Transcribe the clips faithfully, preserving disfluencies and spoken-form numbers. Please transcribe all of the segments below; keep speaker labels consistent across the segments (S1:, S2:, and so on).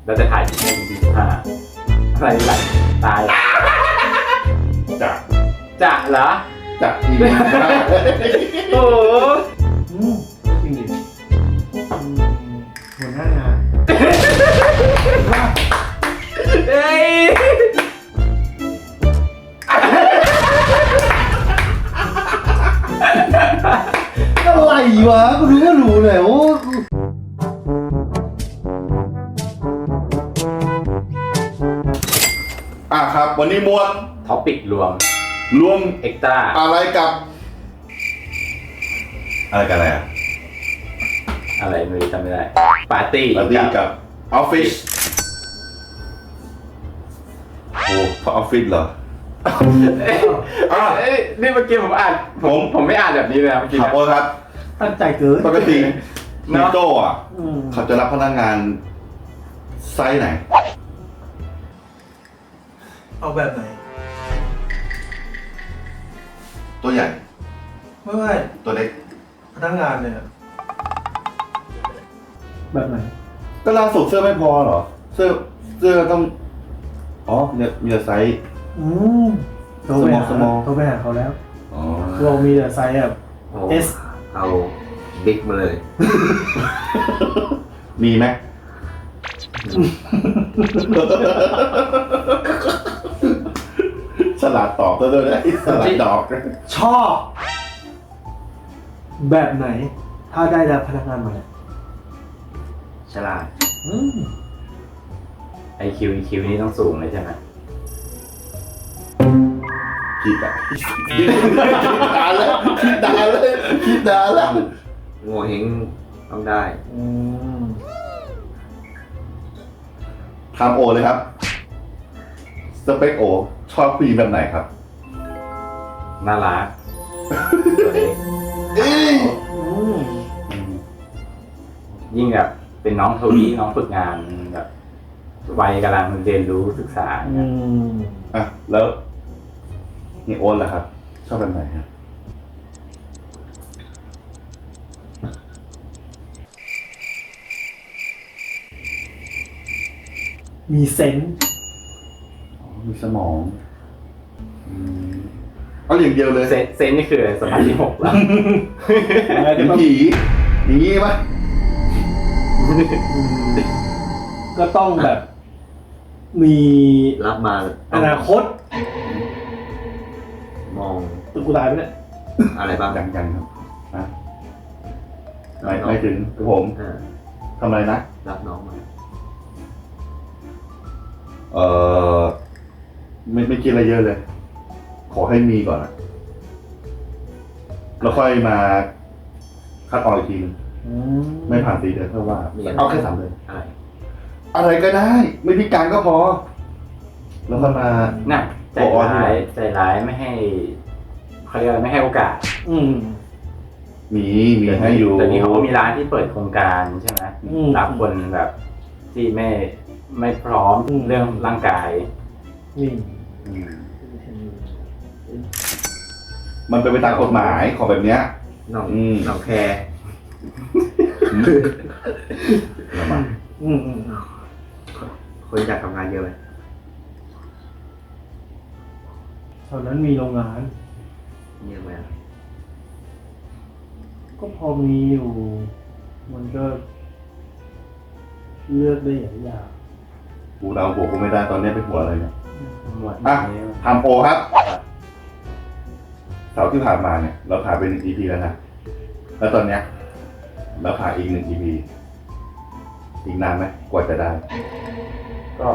S1: เราจะถ่ายถึงแค่ อี พี สิบห้าอะไรไหลตาย
S2: จะ
S1: จะเหรอ
S2: จะอี พี สิบห้า
S1: โอ้โห
S3: จริงดิหัวหน้างาน
S1: เฮ้ย
S3: อะไรวะกูรู้ก็รู้เลยโอ้
S2: อ่ะครับวันนี้มวล
S1: ท็อปิกรวม
S2: รวม
S1: เอ็กตร้า
S2: อะไรกับอะไรกันอะไรอ่ะ
S1: อะไรไม่รู้จำไม่ได้ปาร์ตี้
S2: ปาร์ตี้กับออฟฟิศโอ้พอออฟฟิศเหรอ
S1: อ่ะเอ้ยนี่เมื่อกี้ผมอ่านผมผมไม่อ่านแบบนี้เลยนะเมื่อกี้
S2: ครับโอ้ครับ
S3: ตั้งใจเกิน
S2: ปกตินิโต้อ่ะ
S3: อืม
S2: เขาจะรับพนักงานไซส์ไหน
S3: เอาแบบไหน
S2: ตัวใหญ่
S3: ไม่ไม่
S2: ตัวเล็ก
S3: พนักงานเนี่ยแบบไหน
S2: ก็ล่าสุดเสื้อไม่พอเหรอเสื้อเสื้อต้องอ๋อมีมีแต่ไซส์
S3: อืมโทรไปหา
S2: small
S3: โทรไปหาเขาแล้ว
S2: อ๋อ
S3: เรามีแต่ไซส์แบบ S
S1: เอาบิ๊กมาเลย
S2: มีไหมฉลาดตอบตัวด้วยนะฉลาดดอก
S3: ชอบ แบบไหน ถ้าได้รับพนักงานมาเนี่ย
S1: ฉลาด
S3: อืม
S1: ไอคิวอีคิวนี่ต้องสูงเลยใช่ไหม
S2: คิดอะคิดนานแล้วคิดนานแล้วคิดนานแล้ว
S1: โง่เฮงต้องได้
S3: อืม
S2: ถามโอเลยครับสเปคโอชอบผู้หญิงแบบไหนครับ
S1: น่ารักตัวเล็ก
S2: เอ้ย
S3: อืม
S1: ยิ่งแบบเป็นน้องทวีน้องฝึกงานแบบวัยกำลังเรียนรู้ศึกษา
S3: อืม
S2: อ่ะแล้วนี่โอนล่ะครับ ชอบแบบไหนครับ
S3: มีเซนส์
S2: อ๋อมีสมองอืมเอาอย่างเดียวเลย
S1: เซนเซนนี่คืออะไรสมาธิหกแล้ว
S2: เป็นผีอย่างงี้ปะ
S3: ก็ต้องแบบ มี
S1: รับมา
S3: อนาคต
S1: มอง
S3: ตึกกูตายไปเนี่ย
S1: อะไรบ้าง
S2: ยังยังครับนะไม่ไม่ถึงคือผม
S1: อ่า
S2: ทำอะไรนะ
S1: รับน้องมา
S2: เออไม่ไม่คิดอะไรเยอะเลย ขอให้มีก่อนอะแล้วค่อยมาคัดออกอีกทีนึง
S3: อืม
S2: ไม่ผ่านสี่เดือนเท่าว่า เอาแค่สามเดือน
S1: อะไร
S2: อะไรก็ได้ ไม่พิการก็พอ แล้วก็มา
S1: น่ะใจร้ายใจร้ายไม่ให้เขาเรียกอะไรไม่ให้โอกาส
S3: อืม
S2: มีมีให้อยู่
S1: แต่นี้เขาก็มีร้านที่เปิดโครงการใช่ไหม
S3: อืม
S1: รับคนแบบที่ไม่ไม่พร้อม
S3: อืม
S1: เรื่องร่างกาย
S3: นี่
S1: อืม
S2: มันเป็นไปตามกฎหมายของแบบเนี้ย
S1: น้อง
S2: อืม
S1: น้องแคร์
S2: ระวัง
S3: อืมอืม
S1: คนอยากทำงานเยอะไหม
S3: ตอนนั้นมีโรงงาน
S1: เยอะไหม
S3: ก็พอมีอยู่ มันก็ เลือกได้หลายอย่าง
S2: กูเดาหัวกูไม่ได้ตอนนี้ไปหัวอะไรเนี่ย
S1: หมด
S2: อ่ะ
S1: นี้
S2: ทำโอครับ เสาร์ที่ผ่านมาเนี่ย เราถ่ายไปหนึ่ง อี พี แล้วนะ แล้วตอนเนี้ยเราถ่ายอีกหนึ่ง อี พี อีกนานไหมกว่าจะได้
S1: ก็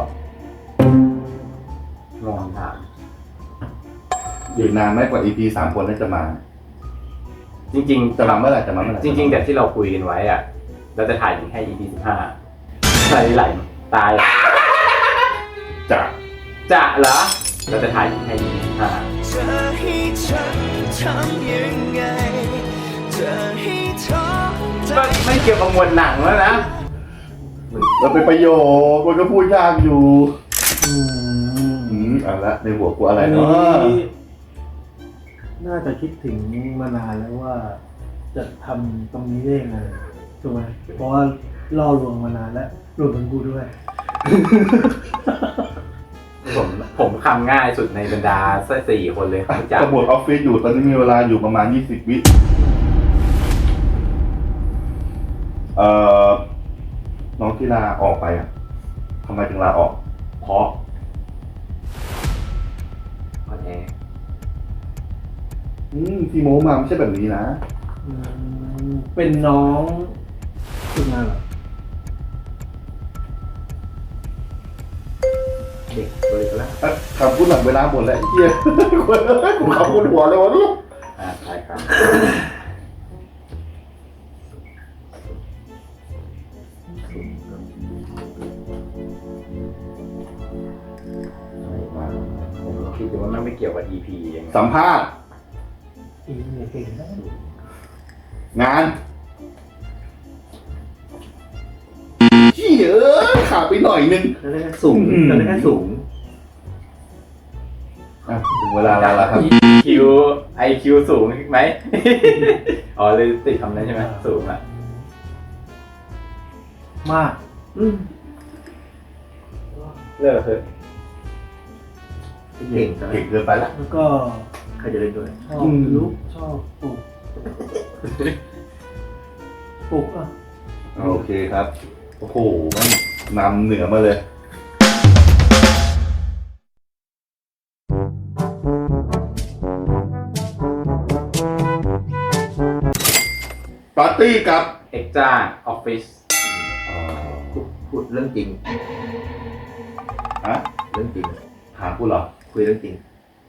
S1: ลองถาม
S2: อีกนานไหมกว่า อี พี สามคนนั้นจะมา
S1: จริง
S2: จะมาเมื่อไหร่จะมาเมื่อไหร่
S1: ๆ จริง ๆ แต่ที่เราคุยกันไว้อะเราจะถ่ายถึงแค่ อี พี สิบห้าไหลไหลตาย
S2: จะ
S1: จะเหรอเราจะถ่ายถึงแค่ อี พี สิบห้า
S4: จะให้ฉันทำยังไงจะให้ท้อใจ
S1: ก็ไม่เกี่ยวกับหมวดหนังแล้วนะ
S2: เราเป็นประโยคมันก็พูดยากอยู่
S3: อืม
S2: อืมเอาละในหัวกูอะไร
S3: อัน
S2: เนาะ
S3: นี้น่าจะคิดถึงมานานแล้วว่า จะทำตรงนี้ได้ยังไงถูกไหมเพราะว่าล่อลวงมานานแล้วรวมถึงกูด้วย
S1: ผมผมคำง่ายสุดในบรรดาสี่คนเลยครับจาก
S2: กระบวนออฟฟิศอยู่ตอนนี้มีเวลาอยู่ประมาณยี่สิบวิเอ่อน้องที่ลาออกไปอ่ะทำไมถึงลาออก เพราะ
S1: ออนแอร์
S2: อืมที่โมมาไม่ใช่แบบนี้นะ
S3: อืมเป็นน้องฝึกงานเหรอ
S1: เด็กเลยก็แล้ว
S2: อ่ะคำพูดหลังเวลาหมดแล้วไอ้เหี้ยกูคำพูดหัวเลยวะลูก
S1: อ่าใช่ครับผมคิดดูว่ามันไม่เกี่ยวกับ อี พี อย่างเงี้ย
S2: สัมภาษณ์
S3: อีเนี่ยเก่งนะ
S2: งานเหี้ยเอ้ยขาดไปหน่อยนึง
S3: แล้วได้แค่สูง
S2: อืม
S3: แล้วได้แค่สูง
S2: อ่ะถึงเวลาแล้วล่ะครับ
S1: คิว ไอ คิว สูงไหม อ๋อเลยติดคำนั้นใช่ไหมสูงอ่ะ
S3: มาก
S1: เลิกเถอะ
S3: เก่ง
S2: เก่งเกินไปละ
S3: แล้วก็
S5: ใครจะเล่นด้วย
S3: ชอบ
S2: อืม
S3: ลุกชอบปลูกปลูกอ่ะ
S2: โอเคครับ โอ้โหแม่งนำเหนือมาเลย ปาร์ตี้กับ
S1: เอ็กจ้าออฟฟิศ
S5: พูดพูดเรื่องจริง
S2: ฮะ
S5: เรื่องจริง
S2: ถามกูเหรอ
S5: คุยเรื่องจริง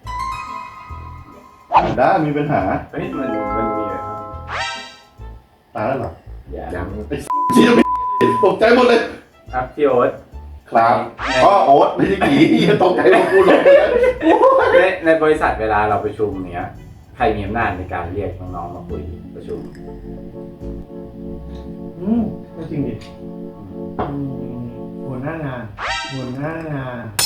S2: ได้มีปัญหา
S1: เฮ้ยมันมันมีอะไรครับ
S2: ตายแล้วเหรอ
S1: อย่า
S5: ยัง
S2: เชี่ยไม่ตกใจหมดเลย
S1: ครับพี่โอ๊ต
S2: ครับอ๋อโอ๊ตไม่ใช่ผีตกใจหมดกูหลงเลย
S1: ในในบริษัทเวลาเราประชุมเนี้ย ใครมีอำนาจในการเรียกน้องๆมาคุยประชุม
S3: อืมก็จริงดิอืมหัวหน้างาน หัวหน้างาน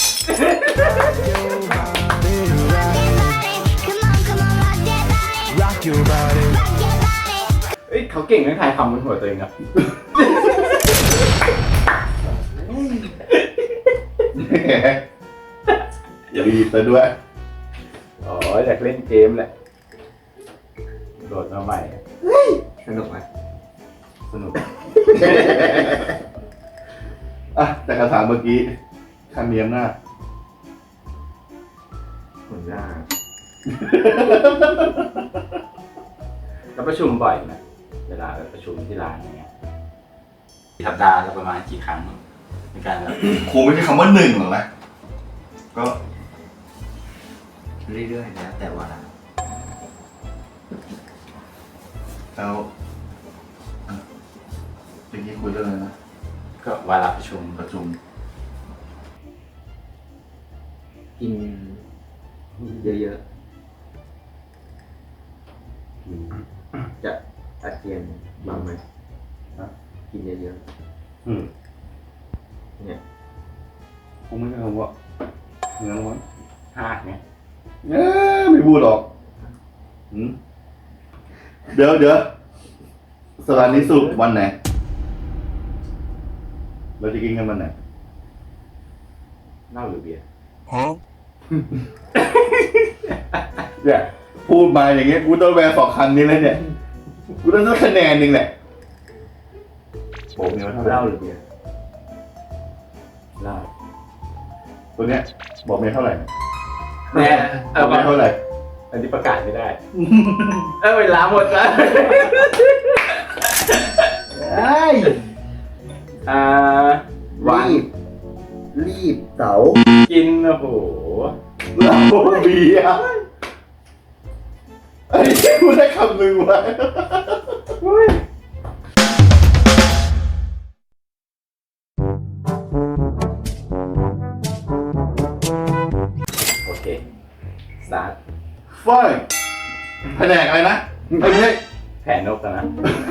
S4: Rock your body
S1: เอ้ยเขาเก่งเรื่องทายคำบนหัวตัวเองนะ
S2: แหมรีบซะด้วย
S1: อ๋ออยากเล่นเกมแหละโดดมาใหม่อะ
S5: สนุกไหม
S1: สนุก
S2: อ่ะแต่คำถามเมื่อกี้ใครมีอำนาจ
S5: คนหน้า
S1: แล้วประชุมบ่อยไหมเวลาแบบประชุมที่ร้านอย่างเงี้ยสัปดาห์ละประมาณกี่ครั้งในการแบบ
S2: คงไม่ใช่คำว่าหนึ่งหรอกนะ ก็
S5: เรื่อยๆนะแต่ว่า
S2: แล้วอ่ะเมื่อกี้คุยเรื่องอะไรนะ
S1: ก็วาระประชุม
S2: ประชุม
S5: กินเยอะๆจะอาเจียนบ้างไหม
S2: ฮะ
S5: กินเยอะ
S2: อืม
S5: ๆเนี่ย
S2: คงไม่ใช่คำว่าเนื้อร้อน
S1: ห้าไง
S2: เอ๊ะไม่พูดหรอกอืมเดี๋ยวเดี๋ยวสถานีสุขวันไหน เราจะกินกันวันไหน
S1: เหล้าหรือเบียร์
S2: เนี่ยพูดมาอย่างเงี้ยกูต้องแวร์สองคันนี้เลยเนี่ย กูต้องได้คะแนนหนึ่งแหละผมเนี่ยว่าเท่าไห
S5: เหล้า
S2: ร่
S5: หรือเบียร์
S1: เหล้า
S2: ตัวเนี้ยบอกเมียเท่าไหร่
S1: แน่เออ
S2: บอกเมียเท่าไหร่
S1: อันนี้ประกาศไม่ได้ เออเวลาหมดแล้ว
S3: ไอ้ย
S1: อ่าวัน
S5: รีบ รีบเต๋า
S1: กินโอ้โห
S2: เราเบียร์ไอ้ที่กูได้คำหนึ่งไว้
S1: โอเคสตาร์ท
S2: ฝ้ายแผนกอะไรนะไม่ใช่
S1: แผนนกแล้วนะ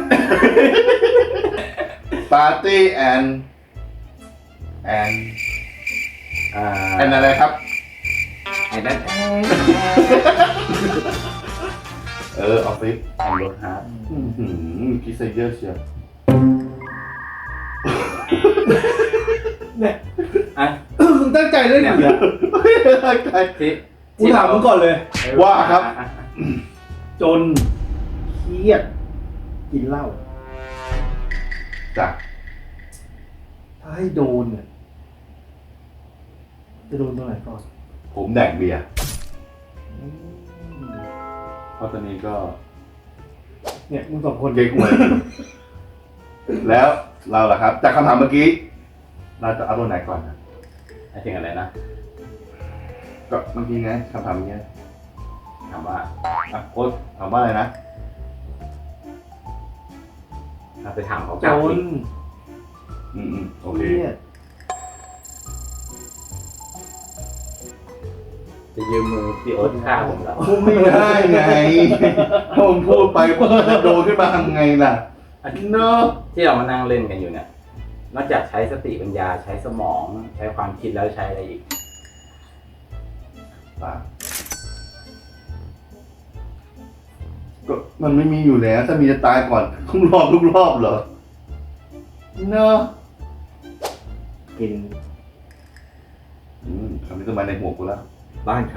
S2: ปาร์ตี้แอนแอน
S1: อ่า
S2: แอนอะไรครับ
S1: ไอ้นั่น
S2: เออออฟฟิศ
S1: แอนรถฮาร์ด
S2: อื้อหือคิดซะเยอะเชียว
S3: เนี่ยใจเรื่องนี้
S2: ตั้งใจ
S1: ที่
S3: กูถามมึงก่อนเลย
S2: ว่าครับ
S3: จนเครียดกินเหล้า
S2: จ้ะ
S3: ถ้าให้โดนเนี่ยจะโดนตรงไหนก่อน
S2: ผมแดกเบียร์เพราะตอนนี้ก็
S3: เนี่ยมึงสองคน
S2: เก๊กหวยแล้วเราล่ะครับ จากคำถามเมื่อกี้ เราจะเอาตัวไหนก่อนนะ
S1: ไอ้ถึงอะไรนะ
S2: ก็เมื่อกี้ไงคำถามเมื่อกี้
S1: ถามว่า
S2: อ่ะโค้ชถามว่าอะไรนะ
S1: เราไปถามเขา
S3: จ
S1: กลับ
S3: น
S1: อีก
S2: อืมอืมโอ
S3: เค
S2: เค
S3: รียด
S1: จะยืมมือพี่โอ๊ตฆ่าผมแล้ว
S2: พูดไม่ได้ไงถ้าผมพูดไปผมจะโดนขึ้นมาทำไงล่ะเนอะ
S1: ที่เรามานั่งเล่นกันอยู่เนี่ย นอกจากใช้สติปัญญาใช้สมองใช้ความคิดแล้วใช้อะไรอีก
S2: ป่ะก็มันไม่มีอยู่แล้ว ถ้ามีจะตายก่อนทุกรอบทุกรอบเหรอเนอะ
S5: กิน
S2: อืมคำนี้ต้องมาในหัวกูแล้ว
S5: บ้านใคร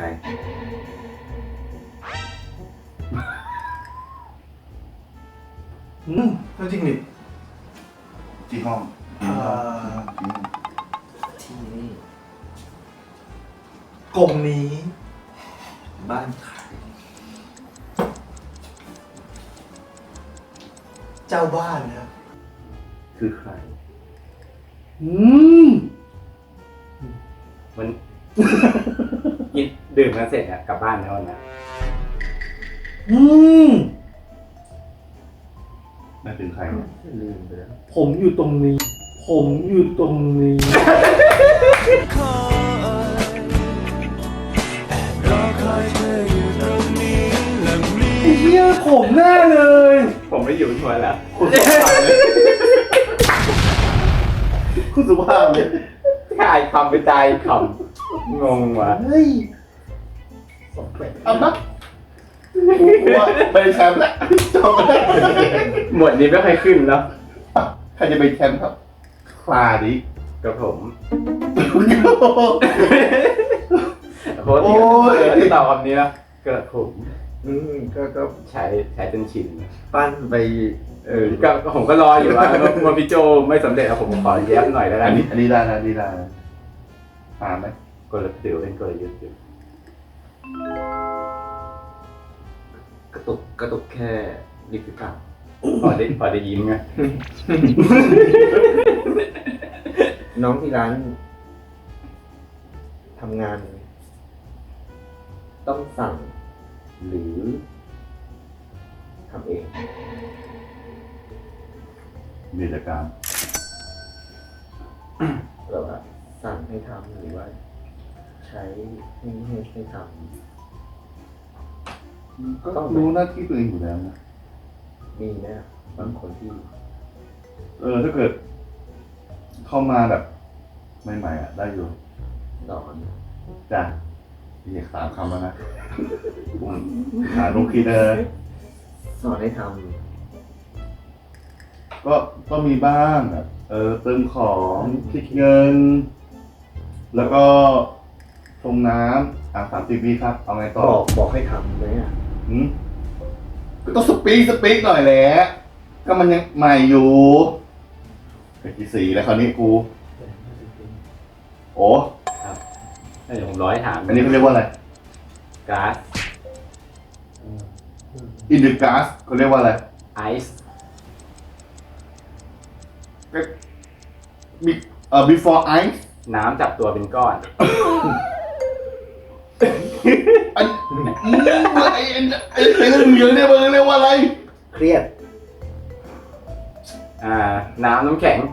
S3: อืมถ้าจริงดิ
S2: ที่ห้อง
S3: อ่า
S5: ที่นี่
S3: กลมนี้
S5: บ้านใคร
S3: เจ้าบ้านนะครับ
S2: คือใคร
S3: อืม
S1: มัน กินดื่มกันเสร็จเนี่ยกลับบ้านแล้วนะ
S3: อืม
S2: นั่นถึงใครเนี่ย
S5: ลืมไปแล้ว
S3: ผมอยู่ตรงนี้ ผมอยู่ตรงนี้
S4: คอยแอบรอคอยเธออยู่ตรงนี้และมี
S3: ไอ้เหี้ยผมแน่เลย
S1: ผมไม่อยู่ทัวร์แล้ว
S2: คุณสุภาพเลยคุณสุภาพเลย
S1: ขายคำไปใจคำงงว่ะ
S3: เฮ้ย
S2: เอาปะกูว่าเป็นแชมป์แล้วจบแล้ว
S1: หมวดนี้ไม่ค่อยขึ้นแล้ว
S2: ใครจะเป็นแชมป์ครับ คลาดิ
S1: กับผม
S2: โอ้
S1: โค้ชที่ตอบคำนี้นะกระผม
S5: อืมก็ก็
S1: ใช้ใช้จนชิน
S5: ปั้นไป
S1: เออก็ก็ผมก็รออยู่ว่าว่าพี่โจไม่สำเร็จแล้วผมขอแย้มหน่อยแล้วกั
S2: อั
S1: น
S2: นนี้อันนี้ได้นะอันนี้ได้นะอ่านไหม
S1: กลยุทธ์ถือว่าเป็นกลยุทธ์อยู่
S5: กระตุกกระตุกแค่ริบหรือเปล่า
S1: พอได้พอได้ยิ้มไง
S5: น้องที่ร้านทำงาน ต้องสั่ง หรือทำเอง
S2: มีกิจการ
S5: หรือว่าสั่งให้ทำหรือว่า ใช้ให้ให้ให้ท
S2: ก็รู้หน้าที่ตัวเองอยู่แล้วนะ
S5: ำมีนะบางคนที่
S2: เออถ้าเกิด เข้ามาแบบใหม่ๆอ่ะ ได้อยู่
S5: สอน
S2: จ้ะอีกสามคำแล้วนะผมหาลูกคิดเลย
S5: สอนให้ท
S2: ก็ก็มีบ้างแบบเออเติมของคิดเงิน แล้วก็ชงน้ำอ่ะสามสิบวิครับ เอาไง
S5: ำ
S2: ต่
S5: บ
S2: อ
S5: อกบอกให้ทำไหมอ่ะ
S2: หืมก็ต้องสปีกสปีกหน่อยแหละก็มันยังใหม่อยู่เป็นกี่สีแล้วคราวนี้กู โอ้
S1: เดี๋ยวผมร้อยถาม
S2: อันนี้เขาเรียกว่าอะไร
S1: ก๊าซ
S2: อินดิก๊าซเขาเรียกว่าอะไร
S1: ไอซ์
S2: ก็มีเอ่อ before ice
S1: น้ำจับตัวเป็นก้อน
S2: อันไอ้ไอ้ไอ้ไอ้เหลืองเนี่ยมันเรียกว่าอะไร
S5: เครียด
S1: อ่า น้ำน้ำแข็ง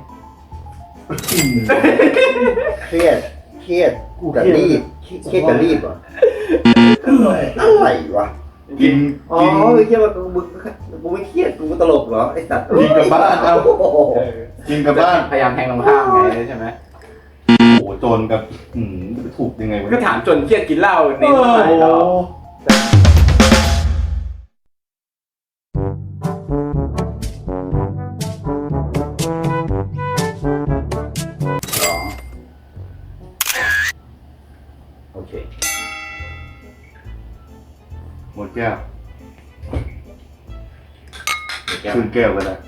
S5: เครียด เครียด
S3: กู
S5: กับ
S3: เครียด
S5: รีบเครียดกับรีบเหรออะไรวะ
S2: กิน
S5: อ๋อ
S2: กิน
S5: ไม่เครียดว่ากูมึงกูไม่เครียดกูตลกเหรอไอสัตว์
S2: กินกับบ้านเอา
S5: โอ้โห
S2: กินกับบ้าน
S1: พยายามแทงตรงข้ามไงใช่ไหม
S2: โอ้โหโจรกับอืมจะไปถูกยังไงวะ
S1: ก็ถามจนเครียดกินเหล้าใน
S2: โอ้
S1: สมัย
S2: โห
S1: เราสอง
S2: แก้ว
S1: เดี๋ยวแก้ว
S2: คืนแก้วกันนะ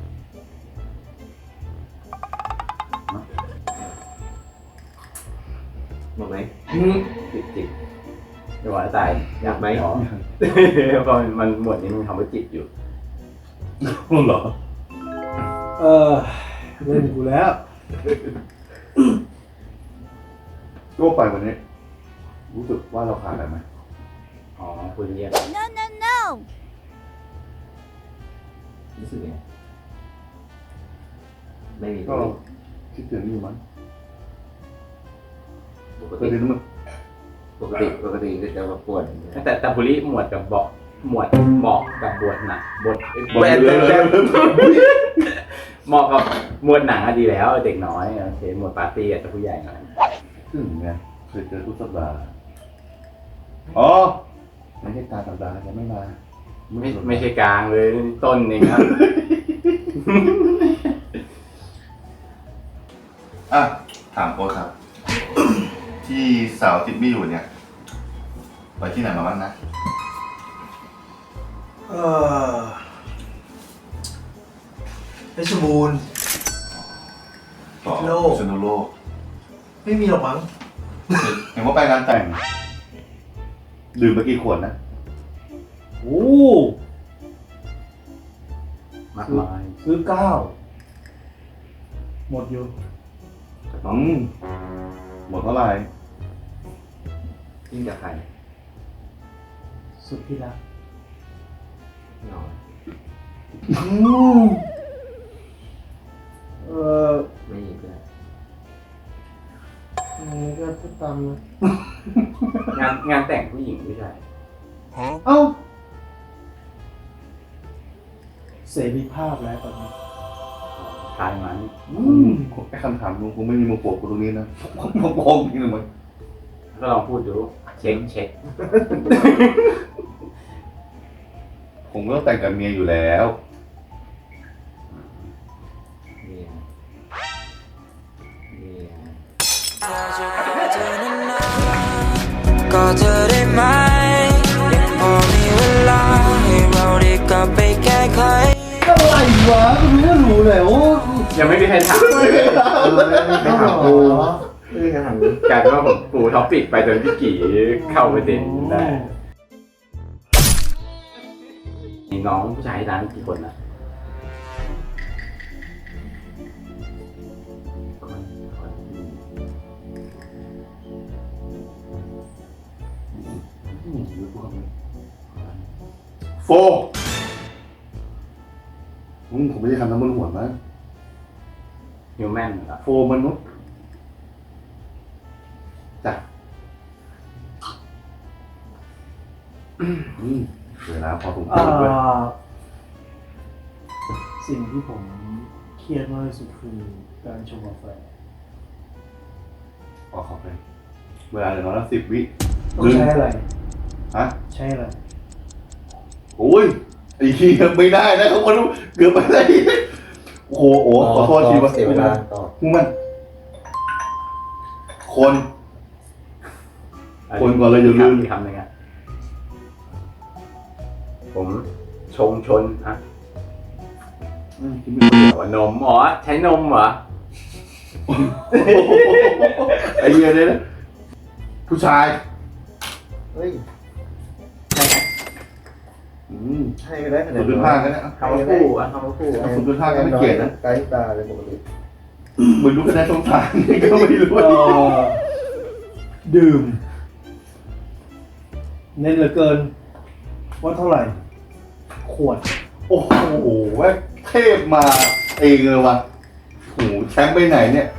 S5: หมดไหม
S1: จิบจิบเดี๋ยวว่าตาย
S5: อยากไหม
S1: อ๋อเพราะมันหมวดนี้มันคำว่าจิบอยู่
S2: รู้เหรอ
S3: เออเล่นกูแล้ว
S2: ก็ไปวันนี้ รู้สึกว่าเราขาดอะไรไหม
S1: อ๋อคุณเรียก
S6: No, no, no.
S5: รู้สึกไงไม่มี
S2: ก็คิดถึงอยู่มั้ง
S5: ปก
S2: เคย
S5: ติ
S2: เห็นมัน
S5: ปกติปกติจะมาปวด
S1: แต่แต่บุรีหมวดกับเบาะหมวดเหมาะกับบทหนักบท
S2: บอลเลยเลย
S1: เหมาะกับหมวดหนังอะดีแล้วเด็กน้อยโอเคหมวดปาร์ตี้อาจจะผู้ใหญ่หน่อย
S2: ถึงไงเคยเจอทุกสัปดาห์อ๋อไม่ใช่ตาสัปดาห์จะไม่มา
S1: ไม่ไม่ใช่กลางเลยต้นเองครับ
S2: อ่ะถามโค้ชครับ ที่สาวติดไม่อยู่เนี่ย ไปที่ไหนมาบ้างนะ
S3: เออเพชรบูรณ์
S2: ต่อ
S3: โลก
S2: ชนโลก
S3: ไม่มีหรอกมั้ง
S2: เห็นว่าไปงานแต่ง ดื่มไปกี่ขวดนะ
S3: โอ้
S1: มากมาย
S3: ซื้อเก้าหมดอยู่
S2: อืมหมดเท่าไหร่
S5: ยิ่งกับใคร
S3: สุดที่รัก
S5: นอน
S3: อืมเออ
S5: ไม่มีเพื่อน
S3: อันนี้ก็พูดตามนะ
S1: งานงานแต่งผู้หญิงผู้ชาย
S3: เอ้าเสรีภาพแล้วตอนนี้
S1: ทายมัน
S3: อืม
S2: ไอ้คำถามลุงคงไม่มีมาโปกกูตรงนี้นะผมโกงจริงเลยมั้ง
S1: ก็ลองพูดดูเช็คเช็ค
S2: ผมก็ต้องแต่งกับเมียอยู่แล้ว
S5: เมียเมีย
S4: ก็เธอได้ไหมยังพอมีเวลาให้เราได้กลับไปแก้ไข
S3: อะไรวะกูไม่รู้เลยโอ้
S1: ยังไม่มีใครถามเลย
S3: ไม่ถามกู
S5: ไม่ได้ถาม
S1: กลายเป็นว่าผมปูท็อปปิกไปจนพี่กี่เข้าประเด็นได้มีน้องผู้ชายร้านกี่คนนะคนคน
S2: โฟอืมผมไม่ได้ทำน้ำมันหัวมั้ง
S1: ฮิวแมนเหรอ
S2: โฟมนุษย์จ้ะอืมเวลาพอสมค
S3: เอ่
S2: วรด้วย
S3: อสิ่งที่ผมเครียดมากที่สุดคือการชงกาแฟ
S2: ออกขอบเลยเวลาเหลือน้อยละสิบวิ
S3: ต้องใช้อะไร
S2: ฮะ
S3: ใช้อะไร
S2: โอ้ยไอ้ขี้ยไม่ได้นะเขาคนเกือบไปได้โอ้โหโอ้ขอโทษทีว่า
S5: เสียเวลาต่อ
S2: มึงมัน คน คนก่อนเลยอย่าลืม
S1: อีกคำหนึ่งอะผมชงชนอะ
S2: อืมคิดไม่ดี
S1: หัวนมอ๋อใช้นมเหรอ
S2: ไอ้เหี้ยเนี่ยนะผู้ชาย
S5: เฮ้ย
S1: ใช่ไหม
S2: อืม
S5: ให้ก็ได้ขนา
S2: สุ
S5: ด
S2: ดเป็นผ้ากันนะ
S1: คำว่าคู่อะคำว่าคู่อะ
S2: สุดเป็นผ้ากันไม่เกลียดนะ
S5: ไกด์ตาเลยปกติ
S2: เหมือนรู้คะแนนสงสารนี่ก็ไม่รู้
S3: เอ่อดื่ม เน้นเหลือเกิน ว่าเท่าไหร่ ขวด
S2: โอ้โหแม่งเทพมาเองเลยวะโอ้โหแชมป์ไปไหนเนี่ย